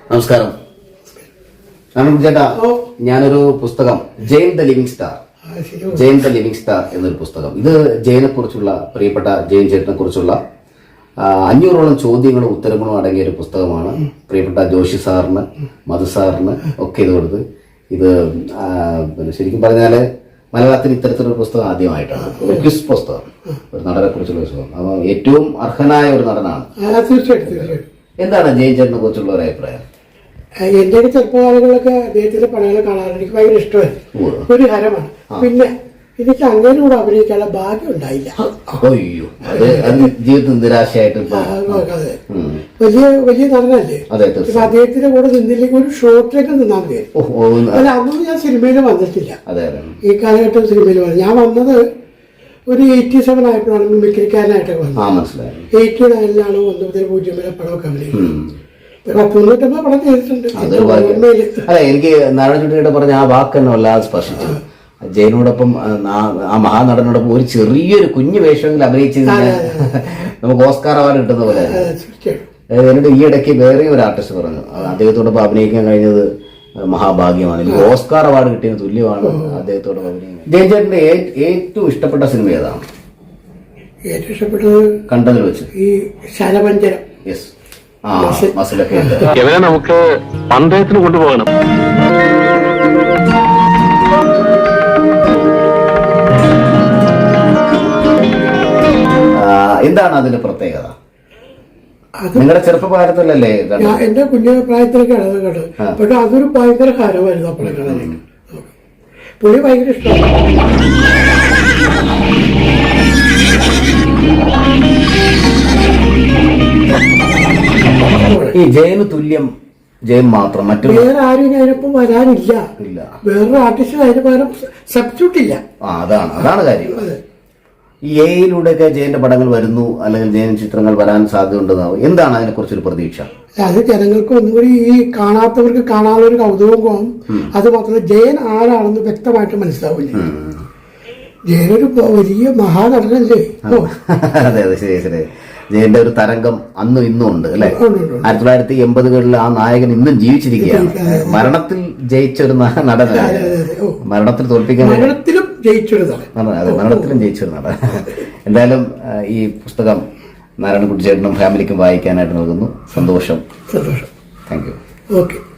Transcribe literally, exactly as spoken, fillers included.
നമസ്കാരം. ചേട്ടാ, ഞാനൊരു പുസ്തകം Jain the living star Jain the living star എന്നൊരു പുസ്തകം, ഇത് ജെയിനെ കുറിച്ചുള്ള, പ്രിയപ്പെട്ട ജെയിൻ ചേട്ടനെ കുറിച്ചുള്ള അഞ്ഞൂറോളം ചോദ്യങ്ങളും ഉത്തരങ്ങളും അടങ്ങിയ ഒരു പുസ്തകമാണ്. പ്രിയപ്പെട്ട ജോഷി സാറിന്, മധു സാറിന് ഒക്കെ ഇത് കൊടുത്ത്, ഇത് പിന്നെ ശരിക്കും പറഞ്ഞാല് മലയാളത്തിൽ ഇത്തരത്തിലൊരു പുസ്തകം ആദ്യമായിട്ടാണ്. ഒരു ക്വിസ് പുസ്തകം, ഒരു നടനെ കുറിച്ചുള്ള പുസ്തകം. അപ്പൊ ഏറ്റവും അർഹനായ ഒരു നടനാണ്. എന്താണ് ജെയിൻ ചേട്ടനെ കുറിച്ചുള്ള ഒരു അഭിപ്രായം? എന്റെ ഒക്കെ ചെറുപ്പകാലങ്ങളിലൊക്കെ അദ്ദേഹത്തിന്റെ പടങ്ങൾ കാണാൻ എനിക്ക് ഭയങ്കര ഇഷ്ടമായിരുന്നു, ഒരു ഹരമാണ്. പിന്നെ എനിക്ക് അങ്ങനെ കൂടെ അഭിനയിക്കാനുള്ള ഭാഗ്യം ഉണ്ടായില്ല. ജീവിതത്തിൽ നിരാശയായിട്ട് വലിയ വലിയ നടനല്ലേ, ഇപ്പൊ അദ്ദേഹത്തിന്റെ കൂടെ നിന്നില്ലെങ്കിൽ ഒരു ഷോട്ടിലേക്ക് നിന്നാൽ മതി. അല്ല, അന്നൊന്നും ഞാൻ സിനിമയിൽ വന്നിട്ടില്ല. ഈ കാലഘട്ടം സിനിമയിൽ വന്നു. ഞാൻ വന്നത് ഒരു എയ്റ്റി സെവൻ ആയപ്പോഴാണ് മിമിക്രിക്കാരനായിട്ടൊക്കെ വന്നത്. എയ്റ്റി നയനിലാണ് ഒന്ന് മുതൽ പൂജ്യം വരെ പടമൊക്കെ അഭിനയിക്കുന്നത്. തൊണ്ണൂറ്റൊമ്പത് പടം ചെയ്തിട്ടുണ്ട്. അല്ല, എനിക്ക് നാരായണചുട്ടിയുടെ പറഞ്ഞ ആ വാക്ക് തന്നെ വല്ലാതെ സ്പർശിച്ചു. ജയനോടൊപ്പം ആ മഹാനടനോടൊപ്പം ഒരു ചെറിയൊരു കുഞ്ഞു വേഷമെങ്കിലും അഭിനയിച്ചു നമുക്ക് ഓസ്കാർ അവാർഡ് കിട്ടുന്ന പോലെ. എന്നോട് ഈ ഇടയ്ക്ക് വേറെ ഒരു ആർട്ടിസ്റ്റ് പറഞ്ഞു, അദ്ദേഹത്തോടൊപ്പം അഭിനയിക്കാൻ കഴിഞ്ഞത് മഹാഭാഗ്യമാണ്, എനിക്ക് ഓസ്കാർ അവാർഡ് കിട്ടിയതിന് തുല്യമാണ് അദ്ദേഹത്തോടൊപ്പം അഭിനയിക്കുന്നത്. ജയൻ ചേട്ടന്റെ ഏറ്റവും ഇഷ്ടപ്പെട്ട സിനിമ ഏതാണ്? ഏറ്റവും ഇഷ്ടപ്പെട്ടത് കണ്ടതിൽ വെച്ച് ഈ ശരപഞ്ചരം. യെസ്, ആ മസിലൊക്കെ ഇവനെ നമുക്ക് പന്തയത്തിന് കൊണ്ടുപോകണം. എന്താണ് അതിന്റെ പ്രത്യേകത? നിങ്ങളുടെ ചെറുപ്പകാലത്തിലല്ലേ? എന്റെ കുഞ്ഞു പ്രായത്തിലൊക്കെയാണ് അത് കണ്ടത്. പക്ഷെ അതൊരു ഭയങ്കര ഹരമായിരുന്നു അപ്പോഴെ കാണാൻ. പുള്ളി ഭയങ്കര ഇഷ്ടമാണ്. ഈ ജയന് തുല്യം ജയൻ മാത്രം, മറ്റു വേറെ ആരും അതിനൊപ്പം വരാനില്ല. വേറൊരു ആർട്ടിസ്റ്റ് അതിന് പകരം സബ്സ്റ്റിറ്റ്യൂട്ട് ഇല്ല. ആ, അതാണ് അതാണ് കാര്യം. ഈ എയിലൂടെയൊക്കെ ജയന്റെ പടങ്ങൾ വരുന്നു, അല്ലെങ്കിൽ ജയൻ ചിത്രങ്ങൾ വരാൻ സാധ്യതയുണ്ടെന്നാവും. എന്താണ് അതിനെ കുറിച്ചൊരു പ്രതീക്ഷ? അത് ജനങ്ങൾക്ക് ഒന്നുകൂടി ഈ കാണാത്തവർക്ക് കാണാനുള്ള ഒരു കൗതുകം പോകും. അത് മാത്രമല്ല, ജയൻ ആരാണെന്ന് വ്യക്തമായിട്ട് മനസ്സിലാവില്ല. ജയനൊരു വലിയ മഹാനടനല്ലേ. അതെ അതെ, ശരി ശരി. ജയന്റെ ഒരു തരംഗം അന്നും ഇന്നും ഉണ്ട് അല്ലെ. ആയിരത്തി തൊള്ളായിരത്തി എൺപതുകളിൽ ആ നായകൻ ഇന്നും ജീവിച്ചിരിക്കുകയാണ്. മരണത്തിൽ ജയിച്ച ഒരു നടനാണ്, മരണത്തിൽ തോൽപ്പിക്കാൻ മരണത്തിലും ജയിച്ചൊരു നടൻ. അതെ, മരണത്തിലും ജയിച്ചൊരു നടൻ. എന്തായാലും ഈ പുസ്തകം നാരായണൻകുട്ടി ചേട്ടനും ഫാമിലിക്കും വായിക്കാനായിട്ട് നൽകുന്നു. സന്തോഷം. സന്തോഷം. Thank you. ഓക്കെ.